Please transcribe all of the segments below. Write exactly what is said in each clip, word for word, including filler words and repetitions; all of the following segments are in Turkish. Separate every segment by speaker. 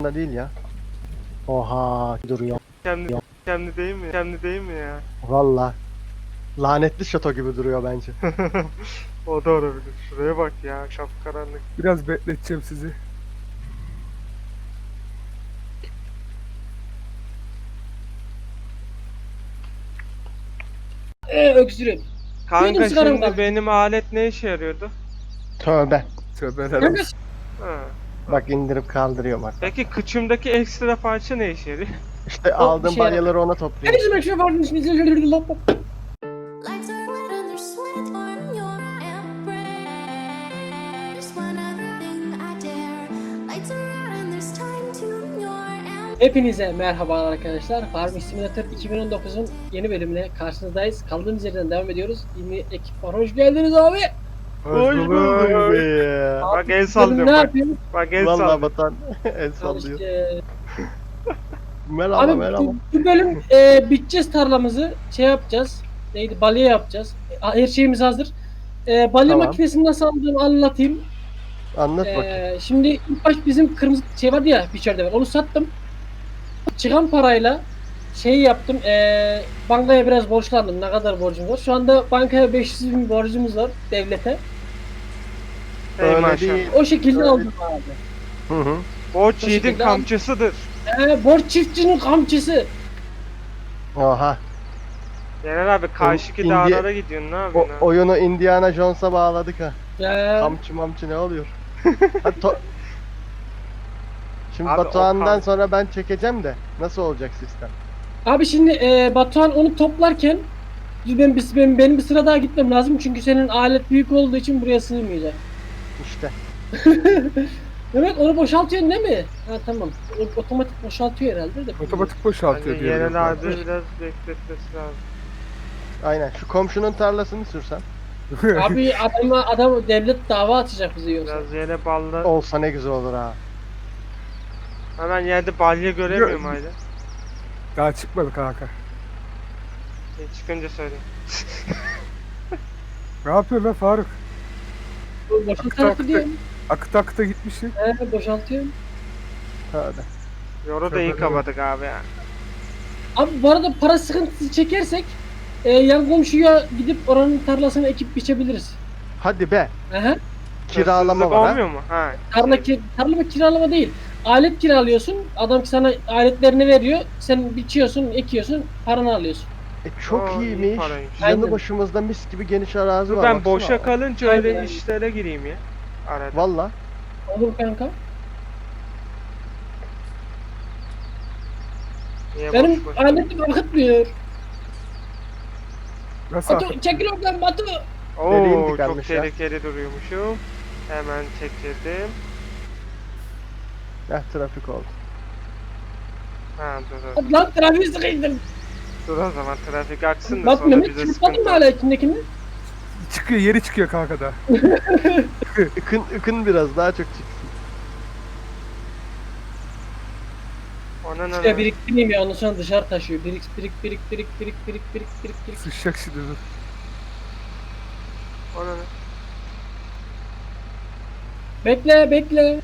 Speaker 1: umurumda değil ya. Oha duruyor.
Speaker 2: Kendi, kendi değil mi? Kendi değil mi ya?
Speaker 1: Valla. Lanetli şato gibi duruyor bence.
Speaker 2: O da olabilir. Şuraya bak ya, kapkaranlık.
Speaker 3: Biraz bekleteceğim sizi.
Speaker 4: Ee, öksürüyorum.
Speaker 2: Kanka
Speaker 4: Benim sigaram
Speaker 2: şimdi
Speaker 4: kaldı.
Speaker 2: benim alet ne işe yarıyordu?
Speaker 1: Tövbe.
Speaker 3: Tövbeler
Speaker 4: Kanka,
Speaker 3: olsun.
Speaker 2: Ha.
Speaker 1: Bak indirip kaldırıyorum bak.
Speaker 2: Peki kıçımdaki ekstra parça ne işe yarıyor?
Speaker 1: İşte
Speaker 4: O
Speaker 1: aldığım
Speaker 4: bir şey
Speaker 1: balyaları ona
Speaker 4: her
Speaker 1: topluyorum.
Speaker 4: zaman şu var.
Speaker 5: Lights are wet and there's sweat on your embrace. Whenever thing I dare. Lights are out and there's time to your embrace.
Speaker 4: Hepinize merhaba arkadaşlar. Farming Simulator iki bin on dokuzun yeni bölümüne karşınızdayız. Kaldığımız yerden devam ediyoruz. Yeni ekip var. Hoş geldiniz abi.
Speaker 1: Hoş bulduk be.
Speaker 2: Bak el
Speaker 4: Bugün
Speaker 2: sallıyorum
Speaker 4: ne
Speaker 2: bak.
Speaker 4: yapıyoruz?
Speaker 2: Bak el
Speaker 1: Valla
Speaker 2: sallıyorum.
Speaker 1: batan el
Speaker 4: Al
Speaker 1: sallıyor.
Speaker 4: işte.
Speaker 1: Merhaba
Speaker 4: Abi
Speaker 1: merhaba.
Speaker 4: bu, bu bölüm e, biteceğiz tarlamızı. Şey yapacağız. Neydi? Balya yapacağız. E, her şeyimiz hazır. E, balya
Speaker 1: Tamam.
Speaker 4: makinesini nasıl aldığımı anlatayım.
Speaker 1: Anlat bakayım.
Speaker 4: Ee, şimdi ilk baş bizim kırmızı şey vardı ya biçerde var. Onu sattım. Çıkan parayla şey yaptım. Ee, bankaya biraz borçlandım. Ne kadar borcum var? Şu anda bankaya beş yüz bin borcumuz var devlete.
Speaker 2: Hey
Speaker 1: Öyle
Speaker 2: maşallah.
Speaker 1: değil.
Speaker 4: O şekilde
Speaker 1: Öyle-
Speaker 4: aldım abi.
Speaker 1: Hı hı.
Speaker 2: Borç
Speaker 4: O
Speaker 2: yiğidin
Speaker 4: şekilde
Speaker 2: kamçısıdır.
Speaker 4: Ee, borç çiftçinin kamçısı.
Speaker 1: Oha.
Speaker 2: Yener abi karşıki
Speaker 1: Indi-
Speaker 2: dağlara gidiyorsun, ne
Speaker 1: O,
Speaker 2: yapıyorsun abi?
Speaker 1: oyunu Indiana Jones'a bağladık ha.
Speaker 4: Ee,
Speaker 1: Kamçı mamçı ne oluyor? Hadi to- Şimdi
Speaker 2: Abi o
Speaker 1: Batuhan'dan
Speaker 2: kam-
Speaker 1: sonra ben çekeceğim de nasıl olacak sistem?
Speaker 4: abi şimdi e, Batuhan onu toplarken ben, biz- benim, benim bir sıra daha gitmem lazım. Çünkü senin alet büyük olduğu için buraya sığmayacak.
Speaker 1: İşte.
Speaker 4: Evet onu boşaltıyorsun değil mi? Ha tamam. O, otomatik boşaltıyor herhalde de.
Speaker 3: Otomatik boşaltıyor
Speaker 2: Hani
Speaker 3: diyorum.
Speaker 2: Yener abi biraz bekletmesi lazım.
Speaker 1: Aynen. Şu komşunun tarlasını sürsem.
Speaker 4: Abi adama adam devlet dava açacak bize yoksa.
Speaker 2: Biraz yere balla.
Speaker 1: Olsa ne güzel olur ha.
Speaker 2: Hemen yerde balya göremiyorum hala.
Speaker 3: Daha çıkmadı kanka.
Speaker 2: Şey, çıkınca söyleyeyim.
Speaker 3: Ne yapıyorsun lan Faruk?
Speaker 4: Bu boşaltı diyorum.
Speaker 3: Akıta akıta gitmişsin.
Speaker 4: He boşaltıyorum.
Speaker 1: Hadi.
Speaker 2: Yoru da iyi kapadık abi ya.
Speaker 4: Abi bu arada para sıkıntısı çekersek e, yan komşuya gidip oranın tarlasını ekip biçebiliriz.
Speaker 1: Hadi be.
Speaker 4: Aha.
Speaker 1: Kiralama
Speaker 2: Hırsızlık
Speaker 1: var ha.
Speaker 2: olmuyor mu? Ha.
Speaker 4: Tarla, ki, tarla kiralama değil. Alet kiralıyorsun. Adam sana aletlerini veriyor. Sen biçiyorsun, ekiyorsun, paranı alıyorsun.
Speaker 1: E, çok
Speaker 2: Aa, iyi
Speaker 1: iyiymiş.
Speaker 2: paraymış.
Speaker 4: Aynen.
Speaker 1: Yanı başımızda mis gibi geniş arazi
Speaker 2: Dur
Speaker 1: var.
Speaker 2: ben
Speaker 1: baksana.
Speaker 2: boşa kalınca öyle
Speaker 4: Aynen.
Speaker 2: işlere gireyim ya. Arada.
Speaker 1: Valla.
Speaker 4: Olur kanka.
Speaker 2: Niye
Speaker 4: Benim
Speaker 2: boş boş?
Speaker 4: aletim akıtmıyor.
Speaker 3: Nasıl
Speaker 4: Batu
Speaker 3: akıt?
Speaker 4: çekil oradan Batu.
Speaker 2: Oo
Speaker 1: Deliğim
Speaker 2: çok
Speaker 1: tıkanmış ya.
Speaker 2: tehlikeli duruyormuşum. Hemen çekildim.
Speaker 1: Heh trafik oldu.
Speaker 2: Ha dur dur.
Speaker 4: Hadi lan trafiği sıkıştım.
Speaker 2: Dur o zaman trafik aksın da
Speaker 4: Bak
Speaker 2: sonra
Speaker 4: Mehmet
Speaker 2: bize
Speaker 4: çırpmadın
Speaker 2: sıkıntı.
Speaker 4: mı hala içindekini?
Speaker 3: Çıkıyor, yeri çıkıyor kanka da.
Speaker 1: Ikın, ıkın biraz daha çok çıksın.
Speaker 2: Ona ne
Speaker 4: Şuraya
Speaker 2: lan?
Speaker 4: biriktireyim ya ondan sonra dışarı taşıyor. Birik birik birik birik birik birik birik birik birik.
Speaker 3: Sıçacak şimdi dur.
Speaker 2: Ona ne?
Speaker 4: Bekle bekle.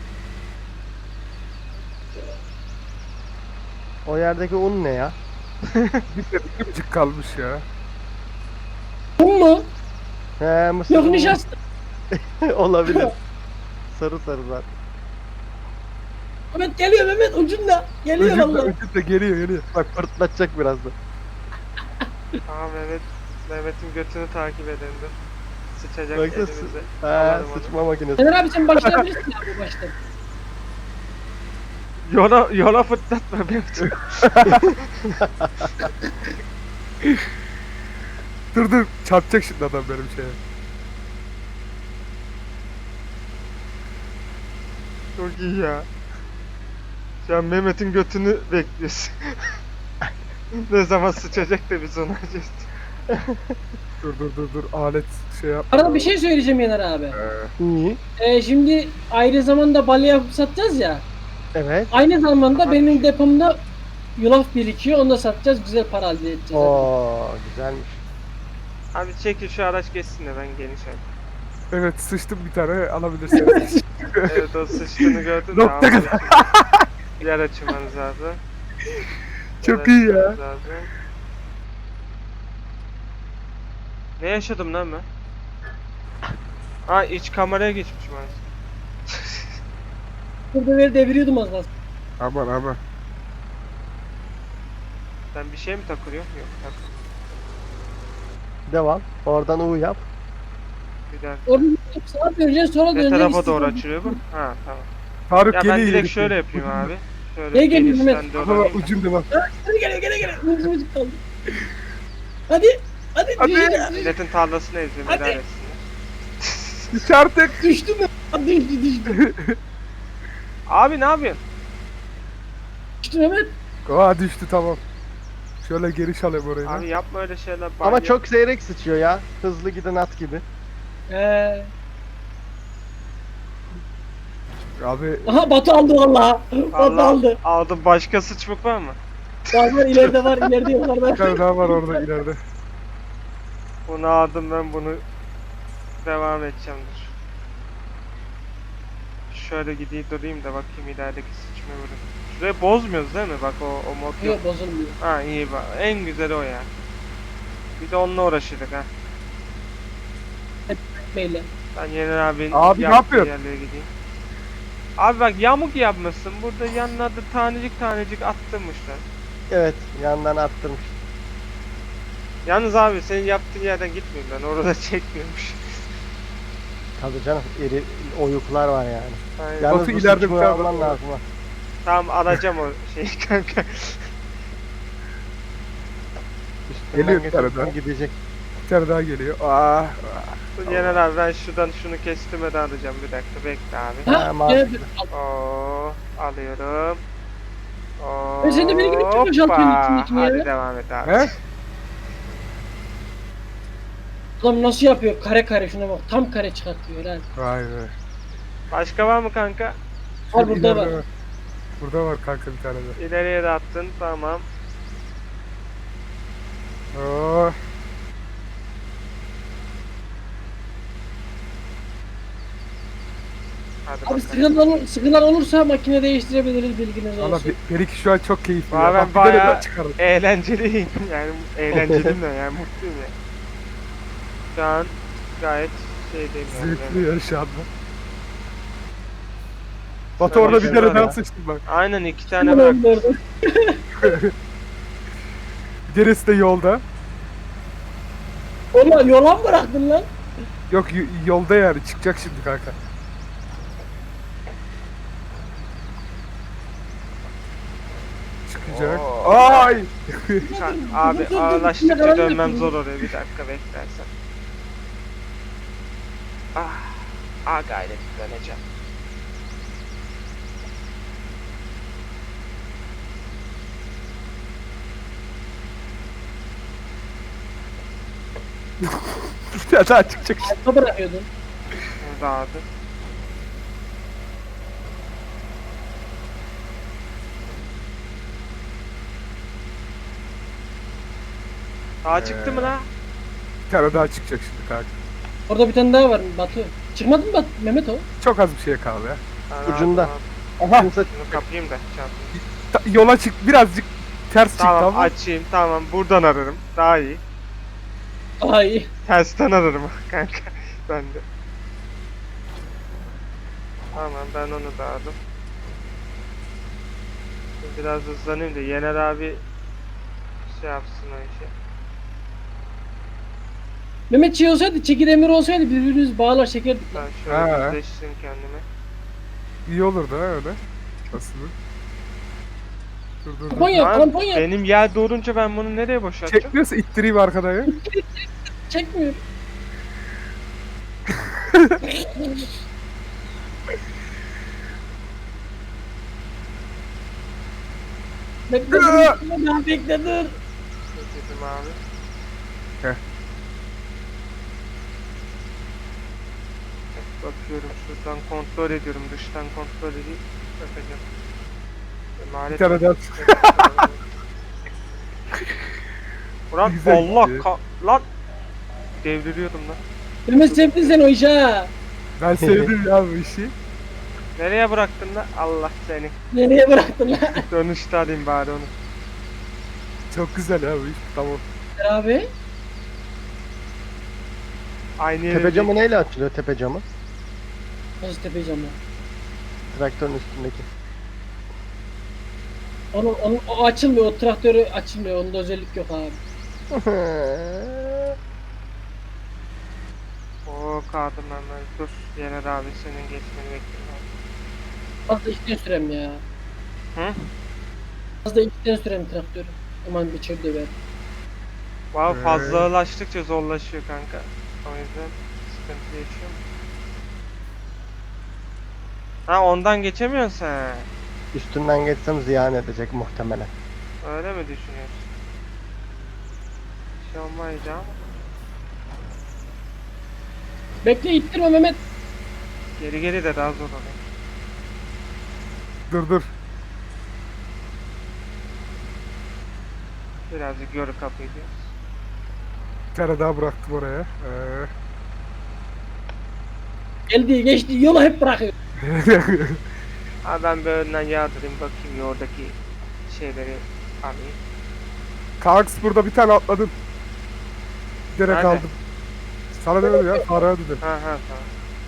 Speaker 1: O yerdeki un ne ya?
Speaker 3: Bir de bir gıcık kalmış ya.
Speaker 4: Bu mu?
Speaker 1: He mısır
Speaker 4: Yok
Speaker 1: unu.
Speaker 4: nişasta.
Speaker 1: Olabilir. Sarı sarı zaten.
Speaker 4: Mehmet geliyor Mehmet ucunda. Geliyor
Speaker 3: Ucunda
Speaker 4: vallahi.
Speaker 3: ucunda geliyor geliyor.
Speaker 1: Bak fırtlatacak birazdan.
Speaker 2: Aha Mehmet. Mehmet'in götünü takip edin dur. Sıçacak
Speaker 1: Baksana,
Speaker 2: elimize.
Speaker 1: He
Speaker 2: Alalım onu.
Speaker 1: sıçma makinesi.
Speaker 4: Sener abi sen başlayabilirsin abi baştan.
Speaker 2: Yola, yola fırlatma Mehmet.
Speaker 3: Dur dur çarpacak şimdi adam benim şeye.
Speaker 2: Çok iyi ya. Şu an Mehmet'in götünü bekliyorsun. Ne zaman sıçacak da biz onu acıyız.
Speaker 3: Dur dur dur dur alet şey yap.
Speaker 4: Arada bir şey söyleyeceğim Yener abi.
Speaker 3: Ee,
Speaker 1: İyi.
Speaker 4: Ee, şimdi ayrı zamanda balya yapıp satacağız ya.
Speaker 1: Evet.
Speaker 4: Aynı zamanda
Speaker 2: Aha.
Speaker 4: benim depomda yulaf birikiyor. Onu da satacağız. Güzel para elde edeceğiz.
Speaker 1: Oo güzelmiş.
Speaker 2: Abi çekil şu araç geçsin de ben geniş alayım.
Speaker 3: evet sıçtım bir tane alabilirsin.
Speaker 2: Evet o sıçtığını gördün de
Speaker 3: Nokta
Speaker 2: abi. Yer açmanız lazım.
Speaker 3: Çok
Speaker 2: Yer
Speaker 3: iyi ya.
Speaker 2: açmanız lazım. Ne yaşadım lan ben? Ha iç kameraya geçmişim az.
Speaker 4: Burada böyle deviriyordum az kalsın.
Speaker 3: Aman aman.
Speaker 2: Ben bir şey mi takılıyor? Yok tak.
Speaker 1: Devam. Oradan U yap.
Speaker 2: Bir dakika.
Speaker 4: Orada sağa döneceksin sonra
Speaker 2: Ne
Speaker 4: döneceksin.
Speaker 2: tarafa doğru
Speaker 4: İstiyorsan-
Speaker 2: açılıyor bu? Ha tamam.
Speaker 3: Faruk
Speaker 2: Ya
Speaker 3: geliyor.
Speaker 2: ben direkt
Speaker 3: ileri.
Speaker 2: şöyle yapayım abi. Şöyle
Speaker 4: Gel, gel,
Speaker 2: genişten
Speaker 4: Mehmet.
Speaker 2: doğru
Speaker 3: Ama
Speaker 2: alayım da.
Speaker 3: ucunda bak.
Speaker 4: Geliyor geliyor geliyor geliyor. Mızık mızık kaldı. Hadi. Hadi.
Speaker 3: Hadi.
Speaker 4: Düştü,
Speaker 2: Milletin tarlasını eziyorum
Speaker 4: Hadi.
Speaker 2: idare etsinler.
Speaker 3: Düş artık.
Speaker 4: düştü mü? Hadi düştü düştü.
Speaker 2: Abi ne yapıyorsun?
Speaker 4: Düştü Mehmet.
Speaker 3: Aa düştü tamam. Şöyle geri alayım orayı.
Speaker 2: Abi yapma öyle şeyler.
Speaker 1: Ama
Speaker 2: Bak-
Speaker 1: çok seyrek sıçıyor ya. Hızlı giden at gibi.
Speaker 4: Ee,
Speaker 3: Abi
Speaker 4: aha Batu aldı valla. Batu
Speaker 2: Allah
Speaker 4: aldı.
Speaker 2: aldım. Başka sıçmak var mı?
Speaker 4: Var var ileride var ileride
Speaker 3: bir
Speaker 4: yukarıda.
Speaker 3: tane daha var orada ileride.
Speaker 2: Bunu aldım ben bunu devam edeceğim dur. Şöyle gideyim durayım da bakayım ilerideki sıçma vuruyor. Şurayı bozmuyoruz değil mi? Bak o, o mod yok.
Speaker 4: Yok bozulmuyor.
Speaker 2: Ha iyi bak. En güzeli o ya. Bir de onunla uğraşırdık ha.
Speaker 4: Beyle.
Speaker 2: Ben Yener abinin
Speaker 3: Abi ne
Speaker 2: yaptığı
Speaker 3: yapıyorsun?
Speaker 2: yerlere gideyim. Abi bak yamuk yapmışsın. Burada yanlarda tanecik tanecik attırmışlar.
Speaker 1: Evet, yandan attırmış.
Speaker 2: Yalnız abi senin yaptığın yerden gitmiyorum ben. Orada çekmiyormuş.
Speaker 1: Tabii canım, iri oyuklar var yani.
Speaker 2: Aynen.
Speaker 1: Yalnız
Speaker 3: Batu
Speaker 1: bu
Speaker 3: ileride bir
Speaker 1: sıçmayı
Speaker 3: tane
Speaker 1: alman
Speaker 3: var.
Speaker 1: lazım ha.
Speaker 2: Tamam alacağım o şeyi kanka.
Speaker 1: Üstünden
Speaker 3: Geliyor bir
Speaker 1: geçerken
Speaker 3: tane daha.
Speaker 1: gidecek.
Speaker 3: Bir tane daha geliyor. Aa.
Speaker 2: Yener abi ben şuradan şunu kestirmeden alacağım bir dakika bekle abi.
Speaker 1: Ha,
Speaker 4: Ha,
Speaker 1: mantıklı.
Speaker 4: gel, al.
Speaker 2: Oo, alıyorum. Oo,
Speaker 4: Ben sen de beni gidip çok boşaltıyorsun
Speaker 2: hoppa.
Speaker 4: içindekini ya.
Speaker 2: Hadi devam et abi.
Speaker 3: He?
Speaker 4: Adam nasıl yapıyor? Kare kare şuna bak. Tam kare çıkartıyor helal.
Speaker 3: Vay be.
Speaker 2: Başka var mı kanka?
Speaker 4: Al
Speaker 3: Şöyle
Speaker 4: burada
Speaker 3: ileride
Speaker 4: var.
Speaker 3: Burada var kanka bir tane de.
Speaker 2: İleriye de attın tamam.
Speaker 3: Oo.
Speaker 2: Hadi
Speaker 4: Abi
Speaker 2: bakalım.
Speaker 4: sıkıntılar, olur- sıkıntılar olursa makine değiştirebiliriz bilginiz
Speaker 3: Valla
Speaker 4: olsun.
Speaker 3: Be- Beriki şu an çok keyifli.
Speaker 2: Valla
Speaker 3: ya.
Speaker 2: ben
Speaker 3: Bak bir tane
Speaker 2: bayağı
Speaker 3: daha çıkardım.
Speaker 2: eğlenceliyim. Yani eğlenceliyim de yani mutluyum ya. Şu an gayet şeydeyim yani.
Speaker 3: Zevkli ya şu anda. Batu
Speaker 2: Şöyle
Speaker 3: orada bir
Speaker 2: şöyle
Speaker 3: tane daha
Speaker 1: ya.
Speaker 3: sıçtı bak.
Speaker 2: Aynen iki tane
Speaker 4: Hemen
Speaker 2: bırak.
Speaker 4: öldürdüm.
Speaker 3: Gerisi de yolda.
Speaker 4: Oğlum yola mı bıraktın lan?
Speaker 3: Yok y- yolda yani çıkacak şimdi kanka. Çıkacak.
Speaker 2: Oo.
Speaker 3: Ay!
Speaker 2: Sen- abi ağırlaştıkça dönmem zor oluyor. Bir dakika beklersen. Ah, ah gayret döneceğim.
Speaker 3: Bir tane daha çıkacak şimdi.
Speaker 4: Altta bırakıyordun.
Speaker 2: Burada abi. Daha çıktı mı la?
Speaker 3: Bir tane daha çıkacak şimdi kanka.
Speaker 4: Orada bir tane daha var Batu. Çıkmadı mı Batu? Mehmet o?
Speaker 3: Çok az bir şey kaldı ya.
Speaker 2: Ben
Speaker 1: Ucunda.
Speaker 2: aldım abi.
Speaker 3: Aha!
Speaker 1: Kimse
Speaker 2: Şunu kapayım da çantayı.
Speaker 3: Ta- yola çık birazcık ters çıktı
Speaker 2: Tamam
Speaker 3: ama.
Speaker 2: açayım tamam buradan ararım. Daha iyi.
Speaker 4: Ay.
Speaker 2: Tersten ararım kanka. Ben de. Tamam ben onu da aldım. Şimdi biraz hızlanayım da Yener abi şey yapsın o işi.
Speaker 4: Mehmet şey olsaydı, çeki demir olsaydı birbirimizi bağlar çekerdik lan.
Speaker 2: Ben şöyle
Speaker 3: Ha.
Speaker 2: düzleştireyim kendimi.
Speaker 3: İyi olurdu ha öyle. Aslında. Dur dur dur.
Speaker 4: Tampon yap,
Speaker 2: Lan,
Speaker 4: tampon yap.
Speaker 2: benim yer doğurunca ben bunu nereye boşaltacağım?
Speaker 3: Çekmiyorsa ittireyim arkadan ya.
Speaker 4: Çekmiyor. Bekle dur, bekle, daha bekle dur.
Speaker 2: Dedim abi.
Speaker 3: Heh.
Speaker 2: Bakıyorum şuradan kontrol ediyorum dıştan kontrol edeyim. Bakacağım. Emanet
Speaker 3: Bir tane daha.
Speaker 2: Ulan
Speaker 3: Güzel
Speaker 2: Allah
Speaker 3: gitti.
Speaker 2: ka lan devriliyordum lan.
Speaker 4: Mehmet sevdin sen o işi ha.
Speaker 3: Ben sevdim ya bu işi.
Speaker 2: Nereye bıraktın lan? Allah seni.
Speaker 4: Nereye bıraktın lan?
Speaker 2: Dönüşte alayım bari onu.
Speaker 3: Çok güzel abi. Tamam.
Speaker 4: Abi.
Speaker 2: Aynı yere
Speaker 1: Tepe camı neyle açılıyor tepe camı?
Speaker 4: Nasıl tepeceğim ya?
Speaker 1: Traktörün üstündeki.
Speaker 4: Onu, onu, o açılmıyor, o traktörü açılmıyor. Onda özellik yok abi.
Speaker 2: Oo kaldım hemen. Dur. Yener abi senin geçmeni bekliyorum.
Speaker 4: Fazla içten sürem ya.
Speaker 2: Hı?
Speaker 4: Fazla içten sürem traktörü. Aman bir çöp döver.
Speaker 2: Wow,
Speaker 3: Ee.
Speaker 2: fazlalaştıkça zorlaşıyor kanka. O yüzden sıkıntı yaşıyorum. Ha ondan geçemiyorsun sen.
Speaker 1: Üstünden geçsem ziyan edecek muhtemelen.
Speaker 2: Öyle mi düşünüyorsun? Bir şey olmayacağım.
Speaker 4: Bekle ittirme Mehmet.
Speaker 2: Geri geri de daha zor oluyor.
Speaker 3: Dur dur.
Speaker 2: Birazcık yörü kapıyı diyoruz.
Speaker 3: Bir tane daha bıraktım oraya. Ee.
Speaker 4: Geldi geçti yolu hep bırakıyor.
Speaker 2: Ha ben bir önden yardırayım bakayım ya oradaki şeyleri alayım.
Speaker 3: Kanks burada bir tane atladın. Direkt
Speaker 2: Nerede?
Speaker 3: aldım. Sana demedim ya. Faruk'a dedim.
Speaker 2: Ha ha tamam.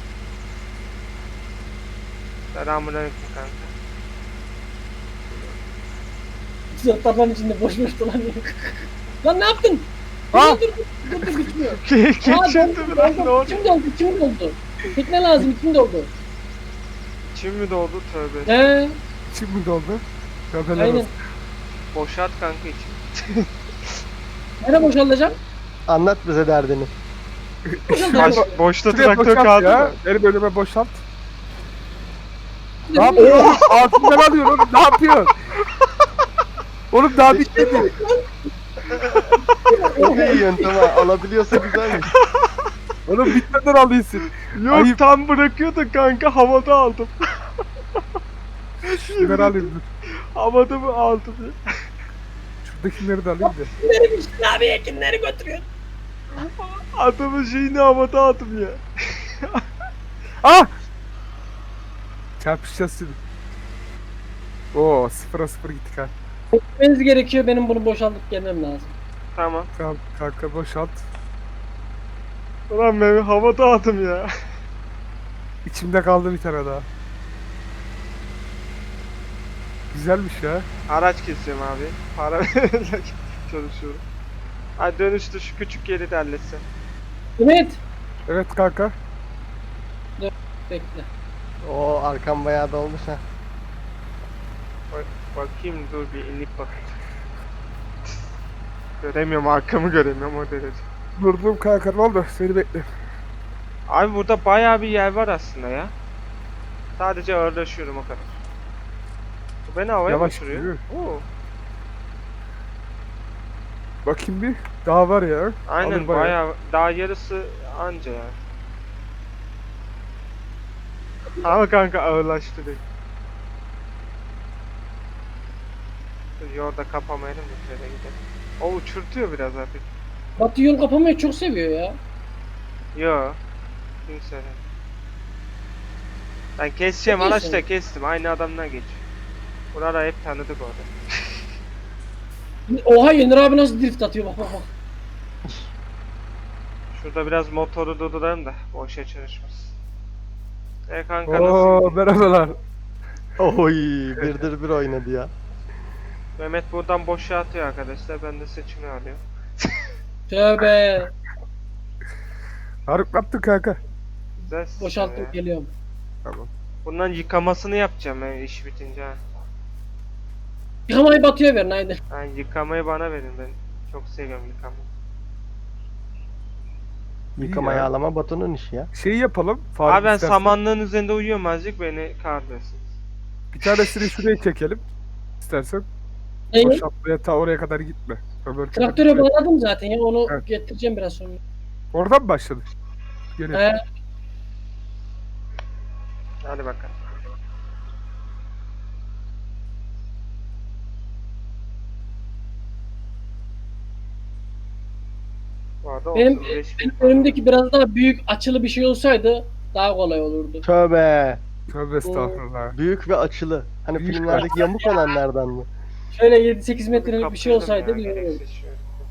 Speaker 2: Selamünaleyküm kanka.
Speaker 4: Zırtlarların içinde boş boş dolanıyor. Lan ne yaptın?
Speaker 3: Ha?
Speaker 4: Dur dur dur dur bitmiyor.
Speaker 2: Geçildi mi lan ne oldu?
Speaker 4: İçim doldu, içim doldu. Tekne lazım, içim doldu.
Speaker 2: İçim mi doldu tövbe.
Speaker 4: He,
Speaker 3: İçim mi doldu? Köpeler
Speaker 4: aynen.
Speaker 3: olsun.
Speaker 2: Boşalt kanka içim.
Speaker 4: Nereye boşaltacağım?
Speaker 1: Anlat bize derdini.
Speaker 2: Baş, boşta
Speaker 3: Şuraya
Speaker 2: traktör
Speaker 3: boşalt
Speaker 2: kaldı
Speaker 3: ya.
Speaker 2: mı?
Speaker 3: Benim önüme boşalt. Ne yapıyorsun? Altından alıyorsun oğlum. Ne yapıyorsun? Oğlum daha bitmedi.
Speaker 1: Çok iyi yöntem ha. Alabiliyorsa güzelmiş.
Speaker 3: Oğlum bitmeden alıyorsun.
Speaker 2: Yok
Speaker 3: Ayıp.
Speaker 2: tam bırakıyordun kanka havada aldım.
Speaker 3: Şunları alayım dur.
Speaker 2: Havada mı aldım ya?
Speaker 3: Şuradakileri de alayım da.
Speaker 4: Kimleri biçtin abi, kimleri götürüyor?
Speaker 2: Adamın şeyini havada aldım ya.
Speaker 3: Ah! Çarpışacağız şimdi. Oo sıfıra sıfır gittik ha.
Speaker 4: Gitmeniz gerekiyor, benim bunu boşaltıp gelmem lazım.
Speaker 2: Tamam.
Speaker 3: Tamam kanka boşalt.
Speaker 2: Ulan ben havada aldım ya.
Speaker 3: İçimde kaldı bir tane daha. Güzelmiş ya.
Speaker 2: Araç kesiyorum abi. Para vererek çalışıyorum. Hadi dönüşte şu küçük yeri de halletsen.
Speaker 4: Mehmet.
Speaker 3: Evet kanka.
Speaker 4: Bekle.
Speaker 1: O arkam bayağı dolmuş ha.
Speaker 2: Bak, bakayım dur bir inip bakayım. Göremiyorum arkamı göremiyorum o derece.
Speaker 3: Durdum kanka ne oldu? Seni bekle.
Speaker 2: Abi burada bayağı bir yer var aslında ya. Sadece ağırlaşıyorum o kadar. Bu beni havaya
Speaker 3: Yavaş
Speaker 2: uçuruyor.
Speaker 3: gidiyor.
Speaker 2: Oo.
Speaker 3: Bakayım bir. Daha var ya.
Speaker 2: Aynen
Speaker 3: Alır bayağı.
Speaker 2: bayağı daha yarısı anca ya. Ama kanka ağırlaştı değil. Dur yolda kapamayalım da şöyle gidelim. O uçurtuyor biraz artık.
Speaker 4: Batı yol kapamayı çok seviyor ya.
Speaker 2: Yo. Kimse. Ben keseceğim
Speaker 4: Çok
Speaker 2: araçta
Speaker 4: iyisin.
Speaker 2: kestim. Aynı adamdan geçiyor. Buraları hep tanıdık orada.
Speaker 4: Oha Yener abi nasıl drift atıyor bak bak bak.
Speaker 2: Şurada biraz motoru durduralım da boşa çalışmasın. E kanka
Speaker 3: Oo
Speaker 2: nasıl?
Speaker 3: merhabalar.
Speaker 1: Oy birdir bir oynadı ya.
Speaker 2: Mehmet buradan boşa atıyor arkadaşlar. Ben de seçimi alıyorum.
Speaker 4: Tövbe.
Speaker 3: Faruk ne yaptın kanka?
Speaker 2: Güzel.
Speaker 4: Boşalttım
Speaker 2: Ee,
Speaker 4: geliyorum.
Speaker 3: Tamam.
Speaker 2: Bundan yıkamasını yapacağım ben iş bitince ha.
Speaker 4: Yıkamayı Batı'ya verin haydi.
Speaker 2: Yani yıkamayı bana verin ben. Çok seviyorum yıkamayı.
Speaker 1: Yıkama
Speaker 3: ya.
Speaker 1: yağlama Batu'nun işi ya.
Speaker 3: Şeyi yapalım. Faruk
Speaker 2: Abi ben
Speaker 3: istersen.
Speaker 2: samanlığın üzerinde uyuyorum azıcık beni kahretsin.
Speaker 3: Bir tanesini şuraya çekelim. İstersen.
Speaker 4: Neyi?
Speaker 3: Boşaltmaya ta oraya kadar gitme. Öbür türlü
Speaker 4: Traktöre
Speaker 3: gitme.
Speaker 4: bağladım zaten ya onu
Speaker 3: Evet.
Speaker 4: getireceğim biraz sonra.
Speaker 3: Oradan mı başladık? Gene.
Speaker 4: He.
Speaker 2: Hadi bakalım. Bu arada
Speaker 4: Benim,
Speaker 2: otuz beş bin
Speaker 4: benim önümdeki biraz daha büyük açılı bir şey olsaydı daha kolay olurdu.
Speaker 1: Tövbe.
Speaker 3: Tövbe estağfurullah.
Speaker 1: Büyük ve açılı. Hani
Speaker 3: Büyük ve
Speaker 1: filmlerdeki yamuk olanlardan mı?
Speaker 4: Şöyle yedi sekiz metrelik bir şey
Speaker 2: Kaptırdım
Speaker 4: olsaydı
Speaker 2: ya,
Speaker 4: bilmiyorum.
Speaker 2: gereksiz şey.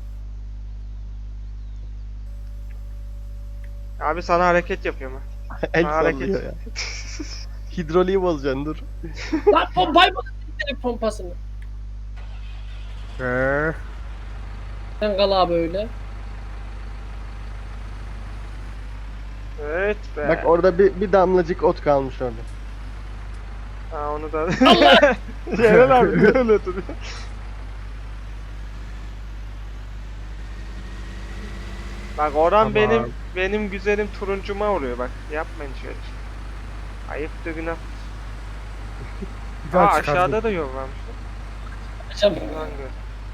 Speaker 2: Abi sana hareket yapıyorum ha.
Speaker 1: El
Speaker 2: Sana hareket.
Speaker 1: sallıyor ya. Hidroliği bozacaksın dur.
Speaker 4: Lan pompayı bozdu direkt pompasını.
Speaker 3: Ee,
Speaker 4: Sen kal abi öyle.
Speaker 2: Evet be.
Speaker 1: Bak orada bir, bir damlacık ot kalmış orada.
Speaker 2: Ha onu da.
Speaker 4: Allah!
Speaker 2: Yerel abi niye öyle duruyor? Bak Orhan
Speaker 3: Tamam.
Speaker 2: benim benim güzelim turuncuma vuruyor bak. Yapmayın şöyle. Ayıptır günah.
Speaker 3: bir
Speaker 2: Aa
Speaker 3: daha çıkardım.
Speaker 2: aşağıda da yol varmış.
Speaker 4: Açam.
Speaker 2: Lan gör.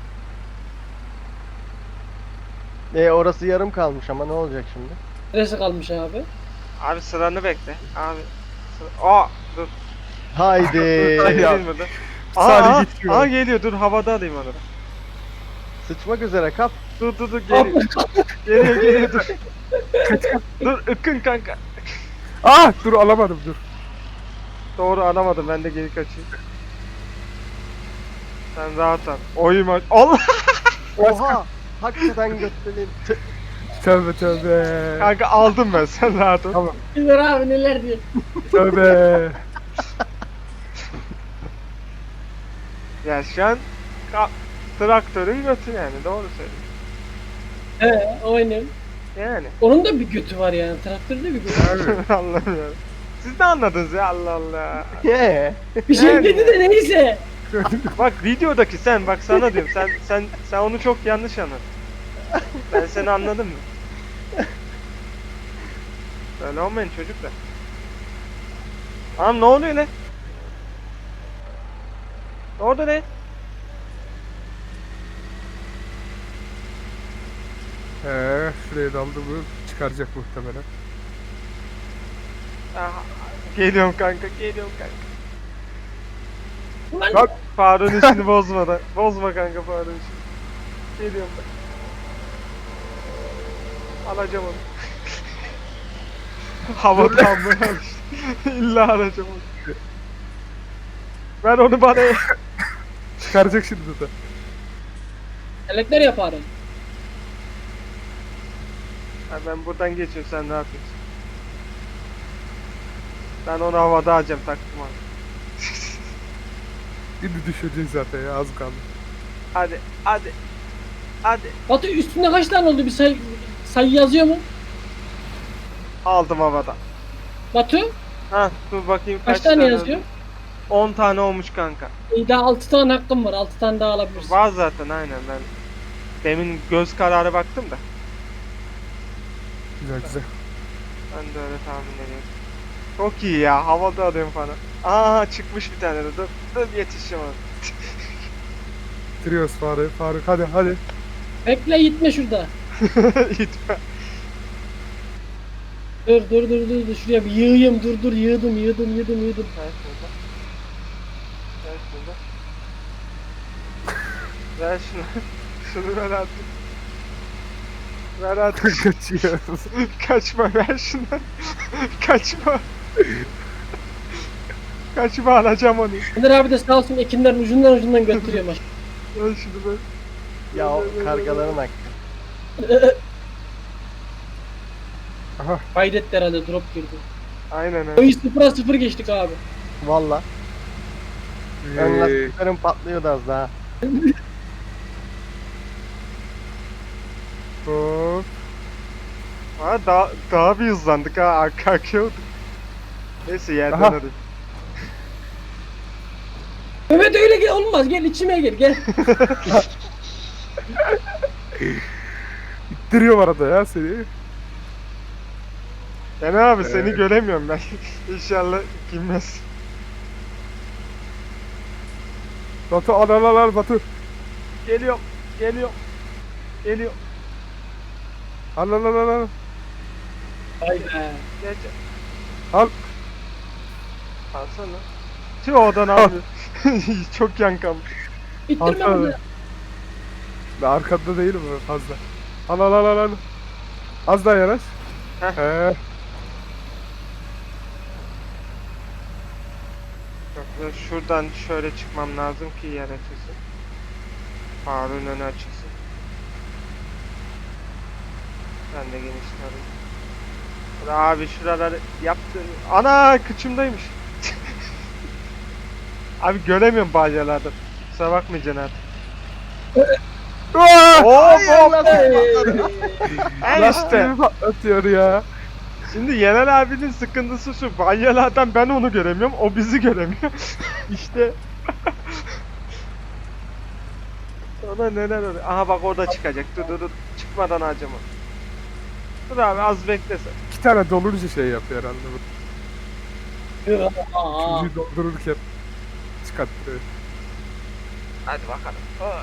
Speaker 1: E orası yarım kalmış ama ne olacak şimdi?
Speaker 4: Neresi kalmış abi?
Speaker 2: Abi sıranı bekle. Abi. Sıra... Aa dur.
Speaker 1: Haydi.
Speaker 2: Hayır,
Speaker 3: ya.
Speaker 2: değil mi? Dur. Aa,
Speaker 3: Saniye
Speaker 2: aa,
Speaker 3: geçiyor.
Speaker 2: aa geliyor dur havada alayım onu da.
Speaker 1: Sıçmak üzere kap.
Speaker 2: Dur dur dur geliyor. geliyor geliyor dur. dur ıkkın kanka.
Speaker 3: Ah dur alamadım dur.
Speaker 2: Doğru alamadım ben de geri kaçayım. Sen rahat ol. Oyma. Allah!
Speaker 1: Oha. Hakikaten götüreyim.
Speaker 3: Tövbe tövbe.
Speaker 2: Kanka aldım ben sen rahat ol.
Speaker 3: Tamam.
Speaker 4: Bilmiyor abi neler diyor.
Speaker 3: Tövbe.
Speaker 2: Ya şu an ka- traktörün götü yani doğru söylüyorsun.
Speaker 4: He oynuyorum.
Speaker 2: Yani.
Speaker 4: Onun da bir götü var yani. Traktörde bir götü.
Speaker 3: Abi.
Speaker 2: Allah'ım ya. Siz ne anladınız ya Allah Allah.
Speaker 1: Ye.
Speaker 4: Bir şey
Speaker 2: Yani.
Speaker 4: dedi de neyse.
Speaker 2: Bak videodaki sen bak sana diyorum sen sen sen onu çok yanlış anladın. Ben seni anladım mı? Böyle olmayın çocuklar. Anam ne oluyor lan? Ne oldu lan?
Speaker 3: Ee, şuraya daldı bu. Çıkaracak muhtemelen.
Speaker 2: Aha, geliyorum kanka geliyorum kanka.
Speaker 4: Ulan
Speaker 3: Bak.
Speaker 2: Faruk'un işini bozma da. Bozma kanka Faruk'un işini. Geliyorum ben. Alacağım onu. Havada almaya alıştı. İlla alacağım onu. Ver onu bana.
Speaker 3: Çıkaracak şimdi de.
Speaker 4: Elekler yaparım.
Speaker 2: Ha, ben buradan geçiyorum sen ne yapıyorsun? Ben onu havada alacağım taktım abi.
Speaker 3: Şimdi düşeceğiz zaten ya az kaldı.
Speaker 2: Hadi hadi. Hadi.
Speaker 4: Batu üstünde kaç tane oldu bir say sayı yazıyor mu?
Speaker 2: Aldım havada.
Speaker 4: Batu
Speaker 2: Ha dur bakayım
Speaker 4: kaç, tane yazıyor?
Speaker 2: on tane olmuş kanka.
Speaker 4: İyi daha altı tane hakkım var. altı tane daha alabilirsin.
Speaker 2: Var zaten aynen ben. Demin göz kararı baktım da.
Speaker 3: Güzel güzel.
Speaker 2: Ben de öyle tahmin ediyorum. Çok iyi ya havada alıyorum falan. Aa çıkmış bir tane de dur. Dur yetişeceğim ona.
Speaker 3: Bitiriyoruz Faruk. Faruk hadi hadi.
Speaker 4: Bekle gitme şurada.
Speaker 2: İtme.
Speaker 4: Dur dur dur dur dur şuraya bir yığayım dur dur yığdım yığdım yığdım yığdım.
Speaker 2: Ver şurada. Ver şurada. Ver şunu. Şunu ver artık. Ver artık.
Speaker 3: Kaçıyoruz.
Speaker 2: Kaçma ver şunu. Kaçma. Kaçma alacağım onu.
Speaker 4: Önder abi de sağ olsun ekinlerin ucundan ucundan götürüyor maş.
Speaker 2: Ver şunu ver.
Speaker 1: Ya o kargaların hakkı.
Speaker 3: Aha.
Speaker 4: Kaydetti herhalde drop girdi.
Speaker 2: Aynen öyle.
Speaker 4: Oyun sıfıra sıfır geçtik abi.
Speaker 1: Valla. Ön
Speaker 3: Ee,
Speaker 1: lastiklerim patlıyordu az daha.
Speaker 3: hop.
Speaker 2: Ha, daha, daha bir hızlandık ha. Arka kalkıyorduk. Neyse yerden
Speaker 3: Aha.
Speaker 2: hadi.
Speaker 4: Mehmet öyle gel olmaz gel içime gel gel.
Speaker 3: İttiriyor arada ya seni.
Speaker 2: Yani abi seni
Speaker 3: Evet.
Speaker 2: göremiyorum ben. İnşallah girmez.
Speaker 3: Batu al al al al Batu.
Speaker 2: Geliyorum. Geliyorum. Geliyorum.
Speaker 3: Al al al al, al.
Speaker 4: Vay be.
Speaker 2: Geç.
Speaker 3: Al.
Speaker 2: Alsana. Tüh odan abi. Çok yan kalmış.
Speaker 4: İttirme
Speaker 3: Al, al.
Speaker 4: bunu.
Speaker 3: Ben arkanda değilim öyle fazla. Al al al al al. Az daha yanaş.
Speaker 2: Heh.
Speaker 3: He.
Speaker 2: şuradan şöyle çıkmam lazım ki yer açılsın. Farun önü açılsın. Ben de genişlerim. Abi şuraları yaptın. Ana kıçımdaymış. Abi göremiyorum balyalardan. Kusura bakmayacaksın artık.
Speaker 3: Aa!
Speaker 2: Hop hop. En işte.
Speaker 3: Lastiğimi patlatıyor ya.
Speaker 2: Şimdi Yener abinin sıkıntısı şu. Balyalardan ben onu göremiyorum. O bizi göremiyor. İşte. Ona neler oluyor. Aha bak orada çıkacak. Dur dur dur. Çıkmadan acıma. Dur abi az beklesen.
Speaker 3: İki tane dolunca şey yapıyor herhalde. bu.
Speaker 4: Aa,
Speaker 3: Çocuğu doldururken çıkarttırıyor.
Speaker 2: Hadi bakalım. Ha.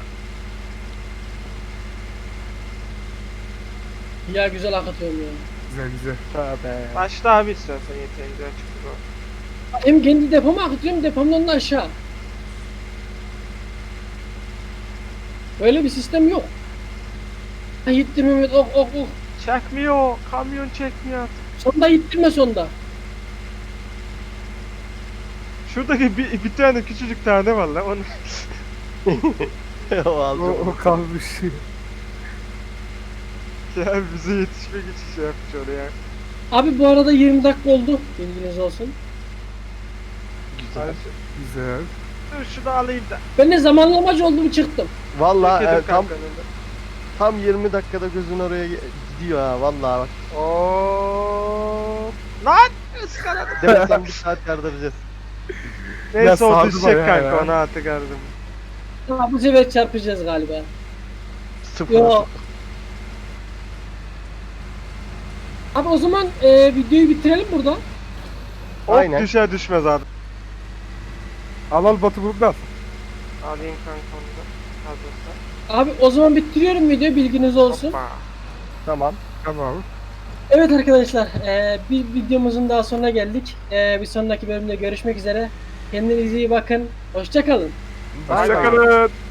Speaker 4: ya güzel hak atıyorum ya.
Speaker 3: Güzel güzel.
Speaker 1: Tövbe.
Speaker 2: Başla abi istersen yeterince açık dur.
Speaker 4: Hem kendi depoma akıtıyorum depomdan da aşağı. Böyle bir sistem yok. Ha, Yiğittir Mehmet ok ok ok.
Speaker 2: Çekmiyor. Kamyon çekmiyor artık.
Speaker 4: Sonda yittirme sonda.
Speaker 2: Şuradaki bir, bir tane küçücük tane var lan. Onu...
Speaker 1: o
Speaker 3: O,
Speaker 1: aldı.
Speaker 3: o kalmış.
Speaker 2: Ya bize yetişmek için şey yapmış oraya.
Speaker 4: Abi bu arada yirmi dakika oldu. Bilginiz olsun.
Speaker 2: Hadi
Speaker 1: Güzel.
Speaker 2: şu-
Speaker 3: Güzel.
Speaker 2: Dur şunu alayım da.
Speaker 4: Ben de zamanlamacı oldum çıktım.
Speaker 1: Valla
Speaker 2: Bekedim
Speaker 1: e, tam
Speaker 2: kankanın da.
Speaker 1: tam yirmi dakikada gözün oraya ge- gidiyor ha vallahi bak.
Speaker 2: Oo. Lan ıskaladım.
Speaker 1: Demesem bir saat yardıracağız.
Speaker 2: Neyse o
Speaker 3: sardı
Speaker 2: düşecek
Speaker 3: bayağı
Speaker 2: kanka
Speaker 3: ya.
Speaker 2: onu artık aradım.
Speaker 4: Ha, bu sefer çarpacağız galiba.
Speaker 1: Sıfır.
Speaker 4: Yo. Abi o zaman e, videoyu bitirelim burada.
Speaker 2: Hop
Speaker 1: Aynen.
Speaker 2: düşer düşmez abi.
Speaker 3: Al al Batu buradan.
Speaker 2: Alayım kanka onu da. Hazırsa.
Speaker 4: Abi o zaman bitiriyorum videoyu bilginiz olsun.
Speaker 2: Hoppa.
Speaker 1: Tamam.
Speaker 3: Tamam.
Speaker 4: Evet arkadaşlar e, bir videomuzun daha sonuna geldik. E, bir sonraki bölümde görüşmek üzere. Kendinize iyi bakın. Hoşça kalın.
Speaker 1: Bay bay.
Speaker 3: Hoşçakalın.